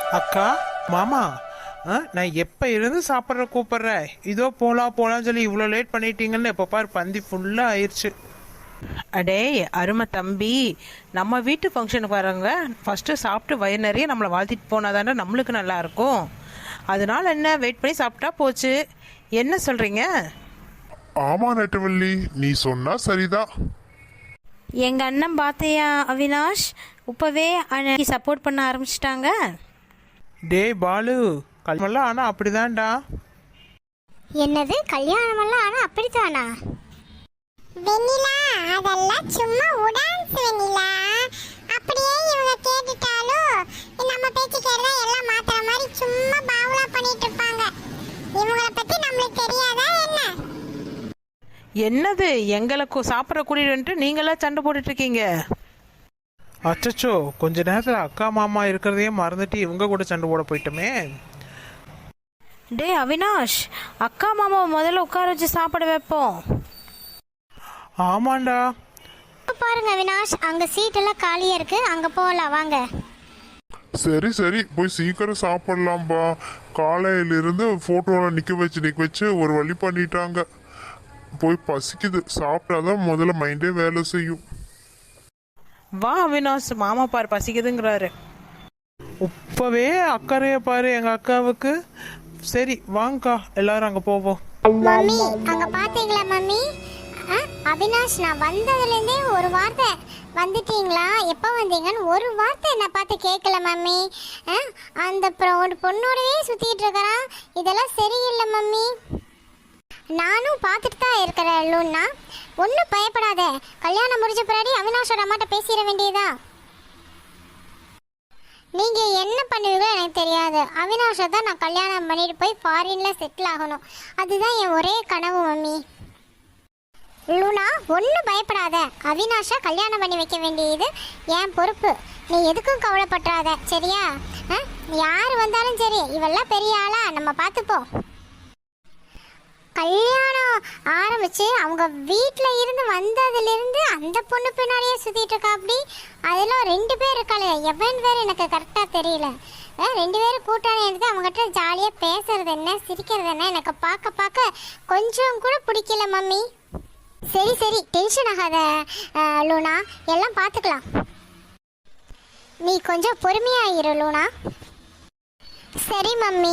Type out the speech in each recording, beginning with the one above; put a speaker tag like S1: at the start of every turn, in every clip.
S1: அக்கா, மாமா, நான் எப்போ இருந்து சாப்பிட்ற கூப்பிட்றேன், இதோ போலான்னு சொல்லி இவ்வளோ லேட் பண்ணிட்டீங்கன்னு எப்போ பாரு பந்தி ஃபுல்லாக ஆயிடுச்சு.
S2: அடே அருமை தம்பி, நம்ம வீட்டு ஃபங்க்ஷனுக்கு வரவங்க ஃபஸ்ட்டு சாப்பிட்டு வயிறு நிறைய நம்மளை வாழ்த்திட்டு போனால் தானே நம்மளுக்கு நல்லா இருக்கும். அதனால என்ன, வெயிட் பண்ணி சாப்பிட்டா போச்சு. என்ன சொல்கிறீங்க?
S3: ஆமா நெட்டவள்ளி, நீ சொன்னா சரிதான்.
S4: எங்கள் அண்ணன் பார்த்தியா அவினாஷ், இப்போவே அன்னைக்கு சப்போர்ட் பண்ண ஆரம்பிச்சிட்டாங்க.
S1: டேய் பாலு, கல்யாணம்லாம் ஆனால் அப்படிதான்டா.
S5: என்னது கல்யாணமெல்லாம் ஆனா அப்படித்தானா? வெண்ணிலா, அதெல்லாம் சும்மா உடான்ஸ் வெண்ணிலா. அப்படியே இவங்க கேட்டுட்டாலும் நம்ம பேச்சு கேட்டா எல்லாம் மாத்துற மாதிரி சும்மா பாவுலா பண்ணிட்டு இருப்பாங்க. இவங்கள பத்தி நம்மளுக்கு தெரியாதா என்ன?
S2: என்னது, எங்களுக்கு சாப்பிட்ற கூட்டிட்டு நீங்களாம் சண்டை போட்டுட்டு இருக்கீங்க?
S1: அச்சச்சோ, கொஞ்ச நேரத்தில் அக்கா மாமா இருக்கிறதையே மறந்துட்டு இவங்க கூட சண்டை போட போயிட்டோமே.
S4: டே அவினாஷ், அக்கா மாமாவை முதல்ல உட்கார வச்சு சாப்பிட வைப்போம்.
S1: ஆமாண்டா.
S5: பாருங்க அவினாஷ், அங்க சீட் எல்லாம் காலியா இருக்கு, அங்க போகலாம் வாங்க.
S3: சரி சரி, போய் சீக்கிரம் சாப்பிடலாம்பா. காலையிலிருந்து போட்டோல நிக்க வச்சு ஒரு வழி பண்ணிட்டாங்க. போய் பசிக்குது, சாப்பிட்டாதான் முதல்ல மைண்டே வேலை செய்யும்.
S2: வா அவினாஷ், மாமா பாரு பசிக்குதுங்கிறாரு.
S1: இப்பவே அக்கறைய பாரு எங்க அக்காவுக்கு. சரி வாங்கக்கா, எல்லாரும் அங்க போவோம்.
S5: மம்மி, அங்க பாத்தீங்களா மம்மி? அவினாஷ், நான் வந்ததுல இருந்தே ஒரு வார்த்தை வந்துட்டீங்களா, எப்போ வந்தீங்கன்னு ஒரு வார்த்தை என்ன பார்த்து கேட்கல மம்மி. அந்த ஒரு பொண்ணோடவே சுத்திட்டு இருக்கிறான், இதெல்லாம் சரியில்லை மம்மி. நானும் பார்த்துட்டு தான் இருக்கிறேன் லூன்னா. ஒன்றும் பயப்படாத, கல்யாணம் முடிஞ்ச பின்னாடி அவினாஷோட அம்மாட்ட பேசிட வேண்டியதா. நீங்க என்ன பண்ணுவீங்களோ எனக்கு தெரியாது, அவினாஷை தான் நான் கல்யாணம் பண்ணிட்டு போய் ஃபாரின்ல செட்டில் ஆகணும். அதுதான் என் ஒரே கனவு மம்மி. லூனா, ஒன்றும் பயப்படாத, அவினாஷா கல்யாணம் பண்ணி வைக்க வேண்டியது என் பொறுப்பு. நீ எதுக்கும் கவலைப்பட்டுறாத, சரியா? யார் வந்தாலும் சரி, இவெல்லாம் பெரிய ஆளா, நம்ம பார்த்துப்போம். கல்யாணம் ஆரம்பிச்சு அவங்க வீட்டில் இருந்து வந்ததுலேருந்து அந்த பொண்ணு பின்னாடியே சுற்றிட்டு இருக்கா. அப்படி அதெல்லாம் 2 பேர் இருக்காளே, எவன் பேர் எனக்கு கரெக்டாக தெரியல. 2 பேரும் கூட்டாளி எடுத்து அவங்ககிட்ட ஜாலியாக பேசுறது என்ன, சிரிக்கிறது என்ன, எனக்கு பார்க்க கொஞ்சம் கூட பிடிக்கல மம்மி. சரி சரி, டென்ஷன் ஆகாத லூனா, எல்லாம் பார்த்துக்கலாம். நீ கொஞ்சம் பொறுமையா இரு லூனா. சரி மம்மி.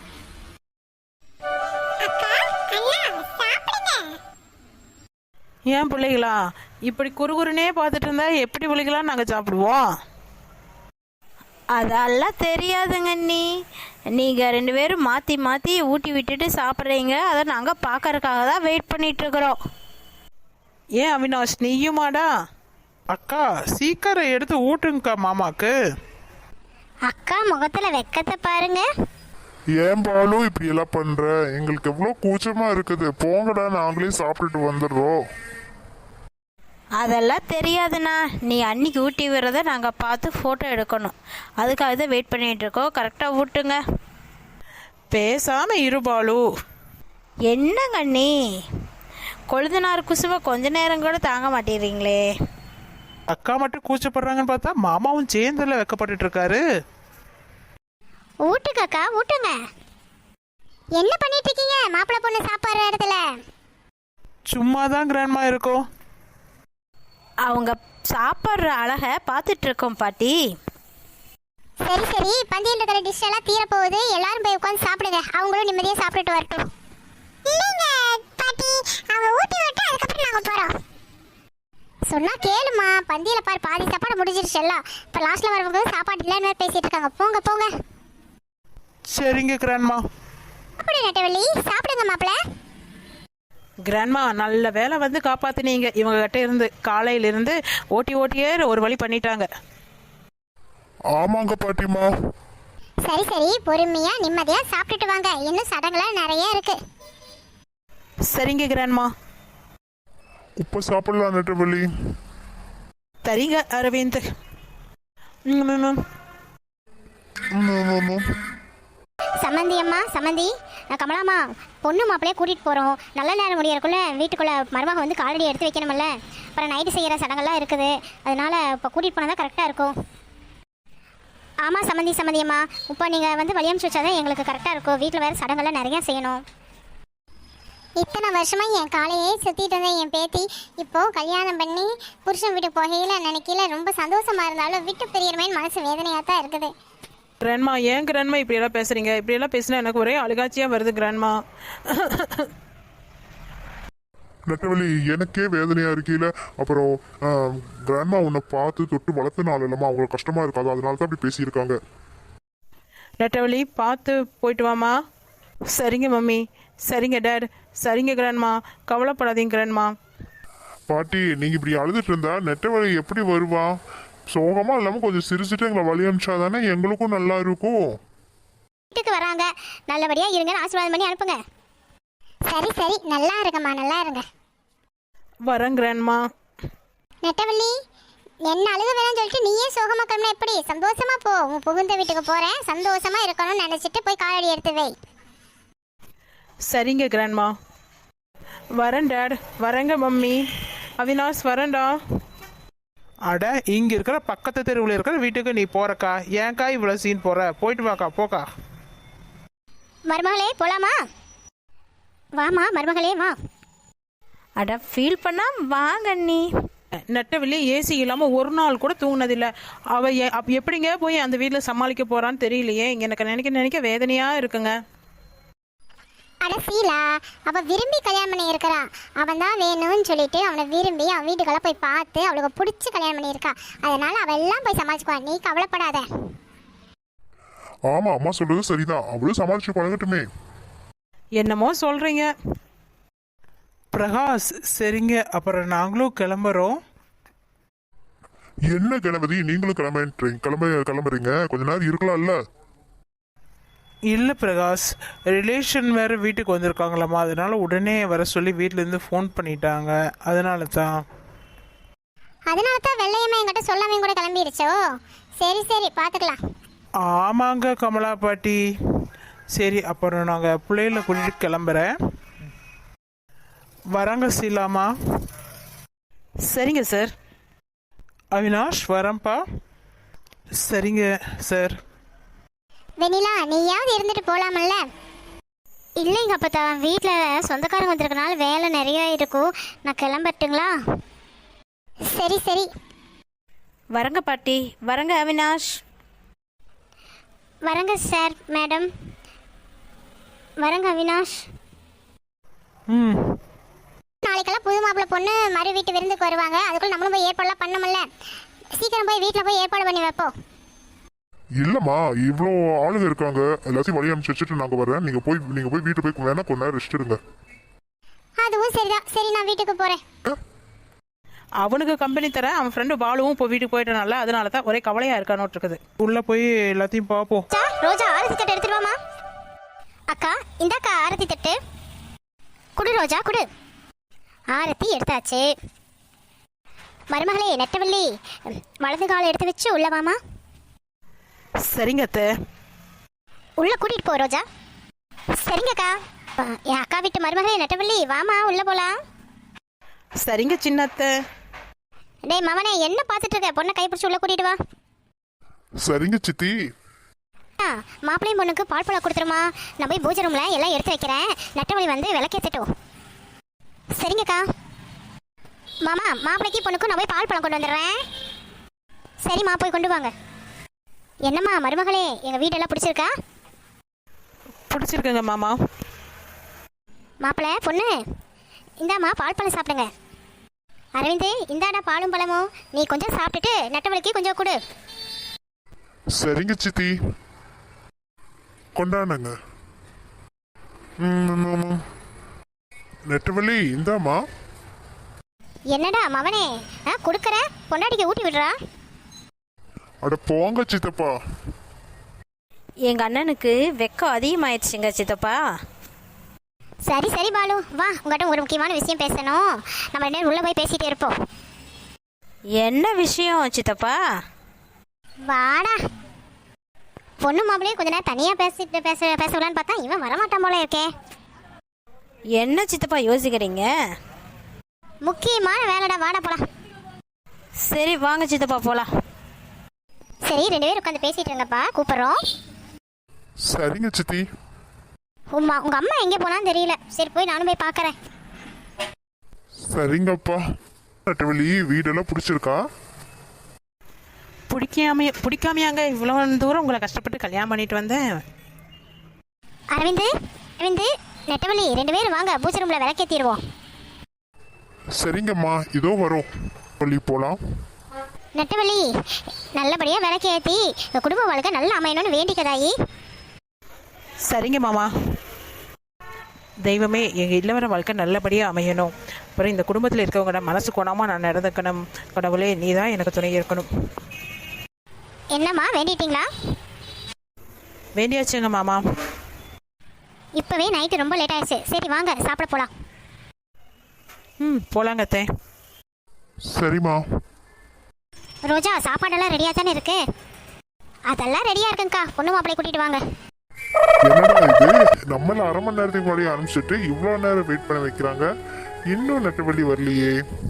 S2: ஏன் பிள்ளைகளா இப்படி குறுகுறுனே பார்த்துட்டு இருந்தா எப்படி பிள்ளைகளாம் நாங்கள் சாப்பிடுவோம்?
S4: அதெல்லாம் தெரியாதுங்க நீ. நீங்கள் 2 பேரும் மாற்றி மாற்றி ஊட்டி விட்டுட்டு சாப்பிட்றீங்க, அதை நாங்கள் பார்க்கறதுக்காக தான் வெயிட் பண்ணிகிட்ருக்குறோம்.
S2: ஏன் அவினாஷ், நீயுமாடா?
S1: அக்கா, சீக்கிரம் எடுத்து ஊட்டுங்கக்கா மாமாக்கு.
S5: அக்கா முகத்துல வெக்கத்தை பாருங்க.
S3: ஏன் பாலு இப்படி எல்லாம் பண்ற? எங்களுக்கு எவ்வளவு கூச்சமா இருக்குது. போங்கடா, நாங்களே சாப்பிட்டுட்டு வந்துடுறோம்.
S4: அதெல்லாம் தெரியாதுண்ணா, நீ அன்னைக்கு ஊட்டி விடுறத நாங்கள் பார்த்து ஃபோட்டோ எடுக்கணும், அதுக்காக தான் வெயிட் பண்ணிகிட்ருக்கோம். கரெக்டாக ஊட்டுங்க.
S2: பேசாமல் இருபாலு.
S4: என்னங்க நீ, கொழுந்தனார் குசுவை கொஞ்ச நேரம் கூட தாங்க மாட்டேறீங்களே.
S1: அக்கா மட்டும் கூச்சப்படுறாங்கன்னு பார்த்தா மாமாவும் சேர்ந்துல வைக்கப்பட்டு இருக்காரு.
S5: ஊட்டுக்கக்கா, ஊட்டுங்க. என்ன பண்ணிட்டு இருக்கீங்க மாப்பிள்ளை பொண்ணு சாப்பாடு இடத்துல?
S1: சும்மாதான் கிராண்ட்மா இருக்கும்.
S4: அவங்க சாப்பிட்ற அழகை பார்த்துட்டு இருக்கோம் பாட்டி.
S5: சரி சரி, பந்தியில் இருக்கிற டிஷ் எல்லாம் தீர போகுது, எல்லாரும் போய் உட்காந்து சாப்பிடுங்க, அவங்களும் நிம்மதியாக சாப்பிட்டுட்டு வரட்டும். இல்லைங்க பாட்டி, அவங்க ஊட்டி விட்டு அதுக்கப்புறம் நாங்கள் போகிறோம். சொன்னா கேளுமா, பந்தியில பாரு பாதி சாப்பாடு முடிஞ்சிருச்சு எல்லாம். இப்போ லாஸ்ட்ல வரவங்க சாப்பாடு இல்லைன்னு பேசிட்டு இருக்காங்க. போங்க போங்க.
S1: சரிங்க கிராண்ட்மா.
S5: அப்படி நட்டவள்ளி, சாப்பிடுங்க மாப்பிள்ள.
S2: கிராண்ட்மா, நல்ல வேலை வந்து காப்பாற்றினீங்க. இவங்க கிட்ட இருந்து காலையிலிருந்து ஓட்டியே ஒரு வழி பண்ணிட்டாங்க.
S3: ஆமாங்க பாட்டிமா.
S5: சரி சரி, பொறுமையா நிம்மதியா சாப்பிட்டுட்டு வாங்க, இன்னும் சடங்குலாம் நிறைய இருக்கு.
S2: சரிங்க கிராண்ட்மா.
S3: இப்ப சாப்பிடலாம் நெட்டவள்ளி.
S2: சரிங்க அரவிந்த்.
S5: சம்மந்தி அம்மா, சம்மந்தி, கமலாம்மா, பொண்ணு மாப்பிள்ளையே கூட்டிகிட்டு போகிறோம். நல்ல நேரம் முடியறக்குள்ளே வீட்டுக்குள்ளே மருமக வந்து காலடி எடுத்து வைக்கணுமில்ல. அப்புறம் நைட்டு செய்கிற சடங்கெல்லாம் இருக்குது, அதனால் இப்போ கூட்டிகிட்டு போனால் தான் கரெக்டாக இருக்கும். ஆமாம் சம்மந்தியம்மா, இப்போ நீங்கள் வந்து வழி அனுப்பிச்சு வச்சாதான் எங்களுக்கு கரெக்டாக இருக்கும். வீட்டில் வேறு சடங்கெல்லாம் நிறையா செய்யணும். இத்தனை வருஷமாக என் காலையே சுற்றிட்டு இருந்தேன் என் பேத்தி. இப்போது கல்யாணம் பண்ணி புருஷன் வீட்டுக்கு போகையில் நினைக்கல ரொம்ப சந்தோஷமாக இருந்தாலும் விட்டு பிரியறமேன்னு மனசு வேதனையாக தான் இருக்குது.
S2: கிராண்ட்மா, ஏன் கிராண்ட்மா இப்படியெல்லாம் பேசுகிறீங்க? இப்படியெல்லாம் பேசினா எனக்கு ஒரே அழுகாட்சியாக வருது கிராண்ட்மா.
S3: நெட்டவழி எனக்கே வேதனையா இருக்கையில அப்புறம் கிராண்ட்மா உன்னை பார்த்து தொட்டு வளர்த்தனால இல்லாமல் அவங்களுக்கு கஷ்டமா இருக்காது, அதனால தான் அப்படி பேசியிருக்காங்க.
S2: நெட்டவழி, பார்த்து போயிட்டு வாமா. சரிங்க மம்மி. சரிங்க டேட். சரிங்க கிராண்ட்மா, கவலைப்படாதீங்க கிராண்ட்மா.
S3: பாட்டி நீங்க இப்படி அழுதுட்டு இருந்தா நெட்டவழி எப்படி வருவா? சோகமா இல்லாம கொஞ்சம் சிரிச்சுட்டு எங்களை வழி அனுப்பிச்சாதானே எங்களுக்கும் நல்லா இருக்கும்.
S5: வீட்டுக்கு வராங்க, நல்லபடியாக இருங்கன்னு ஆசீர்வாதம் பண்ணி அனுப்புங்க. சரி சரி, நல்லா இருங்கம்மா, நல்லா இருங்க.
S2: வரேன் கிராண்ட்மா.
S5: நெட்டவள்ளி, என்ன அழுக வேணாம்னு சொல்லிட்டு நீயே சோகமா கிளம்பினா எப்படி? சந்தோஷமா போ. உன் புகுந்த வீட்டுக்கு போறேன், சந்தோஷமா இருக்கணும்னு நினைச்சிட்டு போய் காலடி எடுத்து வை.
S2: சரிங்க கிராண்ட்மா. வரேன் டேட். வரேங்க மம்மி. அவினாஷ் வரேன்டா.
S1: அட, இங்க இருக்கிற பக்கத்து தெருவில் இருக்கிற வீட்டுக்கு நீ போறக்கா? ஏன்க்கா இவ்வளவு சீன் போற? போயிட்டு வாக்கா, போக்கா.
S5: மருமகளே போலாமா? வாமா மருமகளே வா.
S4: அட, ஃபீல் பண்ணா வாங்க அண்ணி.
S2: நெட்டவள்ளி ஏசி இல்லாமல் ஒரு நாள் கூட தூங்கினதில்லை. அவள் எப்படிங்க போய் அந்த வீட்டில் சமாளிக்க போகிறான்னு தெரியலையே. எனக்கு நினைக்க வேதனையாக இருக்குங்க.
S5: அட சீலா, அவ விரும்பி கல்யாணம் பண்ணி இருக்கிறா. அவன் தான் வேணும்னு சொல்லிட்டு அவனை விரும்பி அவன் வீட்டுக்கெல்லாம் போய் பார்த்து அவளுக்கு பிடிச்சி கல்யாணம் பண்ணியிருக்கா. அதனால அவள் எல்லாம் போய் சமாளிச்சுக்குவா, நீ கவலைப்படாத.
S3: ஆமா அம்மா சொல்றது சரிதான், அவளும் சமாளிச்சு பழகட்டுமே.
S2: என்னமோ சொல்கிறீங்க.
S1: பிரகாஷ், சரிங்க, அப்புறம் நாங்களும் கிளம்புறோம்.
S3: என்ன கணபதி நீங்களும் கிளம்புறீங்க? கொஞ்ச நேரம் இருக்கலாம்ல?
S1: இல்லை பிரகாஷ், ரிலேஷன் வேறு வீட்டுக்கு வந்திருக்காங்களாம்மா, அதனால உடனே வர சொல்லி வீட்டிலேருந்து ஃபோன் பண்ணிட்டாங்க, அதனால தான்
S5: வெள்ளையம்மா என்கிட்ட சொல்லாமே கூட கிளம்பிடுச்சோ. சரி சரி, பார்த்துக்கலாம்.
S1: ஆமாங்க கமலா பாட்டி. சரி, அப்புறம் நாங்கள் பிள்ளைகளை கூட்டிட்டு கிளம்புறேன். வராங்க சீலாமா.
S2: சரிங்க சார்.
S1: அவினாஷ் வரேன்ப்பா. சரிங்க சார்.
S5: வெண்ணிலா, நீயாவது இருந்துட்டு போலாமல்ல? இல்லைங்க அப்பத்தா, வீட்டில் சொந்தக்காரங்க வந்திருக்கனால வேலை நிறைய இருக்கும். நான் கிளம்பட்டுங்களா? சரி சரி.
S4: வரங்க பாட்டி. வரங்க அவினாஷ்.
S5: வரங்க சார், மேடம். வரங்க அவினாஷ்.
S1: ம்.
S5: நாளைக்கெல்லாம் புது மாப்பிள்ளை பொண்ணு மறு வீட்டு விருந்துக்கு வருவாங்க. அதுக்குள்ள நம்மளும் போய் ஏற்பாடுலாம் பண்ணமுல்ல. சீக்கிரம் போய் வீட்டில் போய் ஏற்பாடு பண்ணி வைப்போம்.
S3: இல்லம்மா, இவ்வளோ ஆளுங்க இருக்காங்க, எல்லாத்தையும் வழி அனுப்பிச்சு வச்சுட்டு நாங்க வரேன். நீங்க போய் வீட்டு போய் வேணா கொஞ்ச நேரம் ரெஸ்ட் எடுங்க.
S5: அதுவும் சரிதான். சரி, நான் வீட்டுக்கு போறேன்.
S2: அவனுக்கு கம்பெனி தர அவன் ஃப்ரெண்டு பாலுவும் இப்போ வீட்டுக்கு போயிட்டனால அதனால தான் ஒரே கவலையாக இருக்கானோட்டு இருக்குது.
S1: உள்ள போய் எல்லாத்தையும் பார்ப்போம்.
S5: ரோஜா, ஆரத்தி தட்டு எடுத்துட்டு வாமா. அக்கா, இந்தாக்கா ஆரத்தி தட்டு. குடு ரோஜா, குடு. ஆரத்தி எடுத்தாச்சு. மருமகளே நெட்டவள்ளி, வலது காலை எடுத்து வச்சு உள்ள வாமா.
S2: சரிங்க அத்தை.
S5: உள்ள கூட்டிட்டு போ ரோஜா. சரிங்கக்கா. என் அக்கா வீட்டு மருமகளே நெட்டவள்ளி, வாமா உள்ள போலாம்.
S2: சரிங்க சின்ன அத்தை.
S5: டேய் மவனே, என்ன பார்த்துட்டு இருக்க? பொண்ணை கைப்பிடிச்சு உள்ள கூட்டிட்டு வா.
S3: சரிங்க சித்தி.
S5: மாப்பிள்ளையும் பொண்ணுக்கு பால் பழம் கொடுத்துருமா. நான் போய் பூஜை ரூம்ல எல்லாம் எடுத்து வைக்கிறேன். நெட்டவழி வந்து விளக்கேற்றட்டும். சரிங்கக்கா. மாமா, மாப்பிள்ளைக்கு பொண்ணுக்கும் நான் போய் பால் பழம் கொண்டு வந்துடுறேன். சரிம்மா, போய் கொண்டு வாங்க. என்னம்மா மருமகளே, எங்கள் வீடெல்லாம் பிடிச்சிருக்கா?
S2: பிடிச்சிருக்குங்க மாமா.
S5: மாப்பிள்ளை பொண்ணு, இந்தாம்மா பால் பழம் சாப்பிடுங்க. அரவிந்த், இந்தாடா பாலும் பழமும். நீ கொஞ்சம் சாப்பிட்டுட்டு நெட்டவழிக்கு கொஞ்சம் கொடு.
S3: சரிங்க சித்தி, கொண்டாடுங்க. நெட்டவள்ளி இந்தாமா.
S5: என்னடா மவனே, கொடுக்குற பொண்டாட்டிக்கு ஊட்டி விடுறா.
S3: அட போங்க சித்தப்பா.
S4: எங்க அண்ணனுக்கு வெக்கம் அதிகமாயிடுச்சுங்க சித்தப்பா.
S5: சரி சரி பாலு, வா, உங்கள்கிட்ட ஒரு முக்கியமான விஷயம் பேசணும். நம்ம ரெண்டு நேரம் உள்ள போய் பேசிட்டே இருப்போம்.
S4: என்ன விஷயம் சித்தப்பா?
S5: வாடா. பொண்ணு மாப்பிள்ளையும் கொஞ்ச நேரம் தனியாக பேசலான்னு பார்த்தா இவன் வரமாட்டான் போல இருக்கே.
S4: என்ன சித்தப்பா யோசிக்கிறீங்க?
S5: முக்கியமான வேலைடா, வாடா போலாம்.
S4: சரி வாங்க சித்தப்பா போலாம்.
S5: சரி 2 பேரும் உட்காந்து பேசிட்டு இருங்கப்பா, கூப்பிடுறோம்.
S3: சரிங்க சித்தி.
S5: உங்க அம்மா எங்கே போனான்னு தெரியல. சரி போய் நானும் போய் பார்க்கறேன்.
S3: சரிங்கப்பா. நெட்டவழி வீடெல்லாம் பிடிச்சிருக்கா?
S2: பிடிக்காமையாங்க இவ்வளோ தூரம் உங்களை கஷ்டப்பட்டு கல்யாணம் பண்ணிட்டு வந்தேன்.
S5: அரவிந்து, நெட்டவழி 2 பேரும் வாங்க, பூஜை ரூம்ல விளக்கேற்றிடுவோம்.
S3: சரிங்கம்மா, இதோ வரோம். வழி போலாம்.
S5: நெட்டவழி நல்லபடியாக விளக்கேற்றி குடும்ப வாழ்க்கை நல்லா அமையணும்னு வேண்டிக்கதாயி.
S2: சரிங்க மாமா. தெய்வமே, எங்கள் இல்லவர வாழ்க்கை நல்லபடியாக அமையணும். அப்புறம் இந்த குடும்பத்தில் இருக்கவங்களோட மனசு கோணாமல் நான் நடந்துக்கணும். கடவுளே, நீ தான் எனக்கு துணை இருக்கணும்.
S5: என்னம்மா வேண்டிட்டீங்களா?
S2: வேண்டியாச்சுங்க மாமா.
S5: இப்போவே நைட்டு ரொம்ப லேட் ஆயிடுச்சு. சரி வாங்க சாப்பிட போகலாம்.
S2: போலாங்க அத்தை.
S3: சரிம்மா.
S5: ரோஜா, சாப்பாடெல்லாம் ரெடியாக தானே இருக்கு? அதெல்லாம் ரெடியாக இருக்குங்கக்கா. பொண்ணு மாப்பிள்ளை கூட்டிகிட்டு வாங்க.
S3: என்னடா இது, நம்மள அரை மணி நேரத்துக்கு முன்னாடி ஆரம்பிச்சுட்டு இவ்வளோ நேரம் வெயிட் பண்ண வைக்கிறாங்க. இன்னும் நெட்டவழி வரலையே.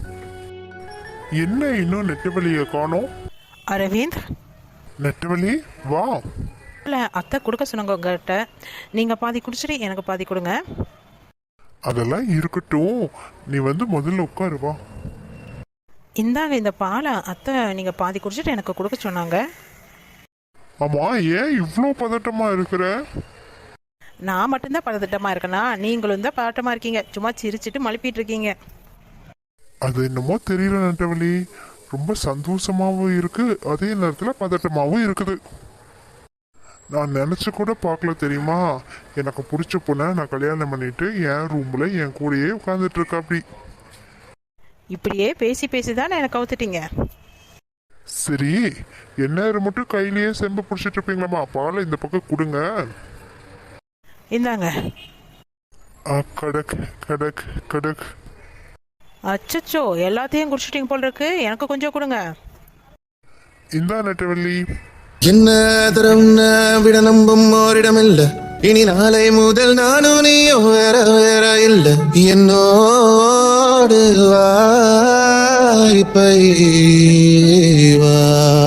S3: என்ன இன்னும் நெட்டவழியை காணோம்?
S2: அரவிந்த்,
S3: நெட்டவழி வா.
S2: இல்லை, அத்தை கொடுக்க சொன்னாங்க உங்கள்கிட்ட. நீங்கள் பாதி குடிச்சிட்டு எனக்கு பாதி கொடுங்க.
S3: அதெல்லாம் இருக்கட்டும், நீ வந்து முதல்ல உட்காரு வா.
S2: இந்தாங்க இந்த பாலை. அத்தை நீங்கள் பாதி குடிச்சிட்டு எனக்கு கொடுக்க சொன்னாங்க.
S3: ஆமா, ஏன் இவ்வளோ பதட்டமா இருக்கிற?
S2: நான் மட்டும்தான் பதட்டமாக இருக்கேனா? நீங்களும் தான் பதட்டமாக இருக்கீங்க. சும்மா சிரிச்சிட்டு மழுப்பிட்டு இருக்கீங்க.
S3: அது என்னமோ தெரியல நெட்டவழி, ரொம்ப சந்தோஷமாவும் இருக்கு, அதே நேரத்தில் பதட்டமாவும் இருக்குது. நான் நினச்சி கூட பார்க்கல தெரியுமா, எனக்கு பிடிச்ச பொண்ணை நான் கல்யாணம் பண்ணிட்டு என் ரூமில் என் கூடயே உட்காந்துட்டு இருக்கா. அப்படி
S2: இப்படியே பேசி பேசி தான் எனக்கு கவுத்துட்டீங்க.
S3: சரி, என்ன மட்டும் கையிலேயே செம்பு பிடிச்சிட்டு இருப்பீங்களாம்மா? பாலை இந்த பக்கம் கொடுங்க.
S2: இந்தாங்க.
S3: கடக் கடக் கடக்.
S2: அச்சச்சோ, எல்லாத்தையும் குடிச்சிட்டீங்க போல் இருக்கு. எனக்கு கொஞ்சம் கொடுங்க.
S3: இந்தா நெட்டவள்ளி.
S6: என்ன தரம் விட நம்பும் ஓரிடமில்ல. இனி நாளை முதல் நானும் நீயோ வேற வேற இல்ல. என்னோடு வாய்ப்பை வா.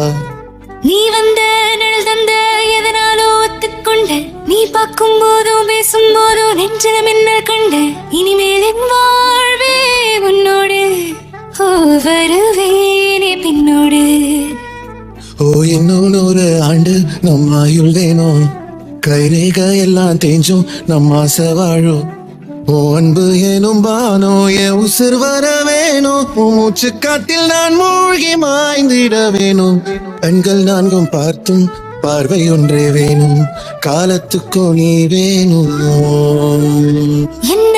S7: நீ வந்த நிழல் தந்த எதனாலோ ஒத்துக்கொண்ட. நீ பார்க்கும் போதும் பேசும் போதும் நெஞ்சில மின்னல் கண்ட. இனிமேல் என் வாழ்வே உன்னோடு. ஓ வருவேனே பின்னோடு.
S6: ஓ இன்னும் 100 ஆண்டு நம் ஆயுள் வேணும். கைரேக எல்லாம் தேஞ்சும் நம் ஆசை வாழும். ஓ அன்பு ஏனும் பானோ என் உசிர் வர வேணும். மூச்சு காட்டில் நான் மூழ்கி மாய்ந்திட வேணும். கண்கள் 4 பார்த்தும் பார்வை ஒன்றே வேணும். காலத்துக்கும் நீ வேணும்.
S7: என்ன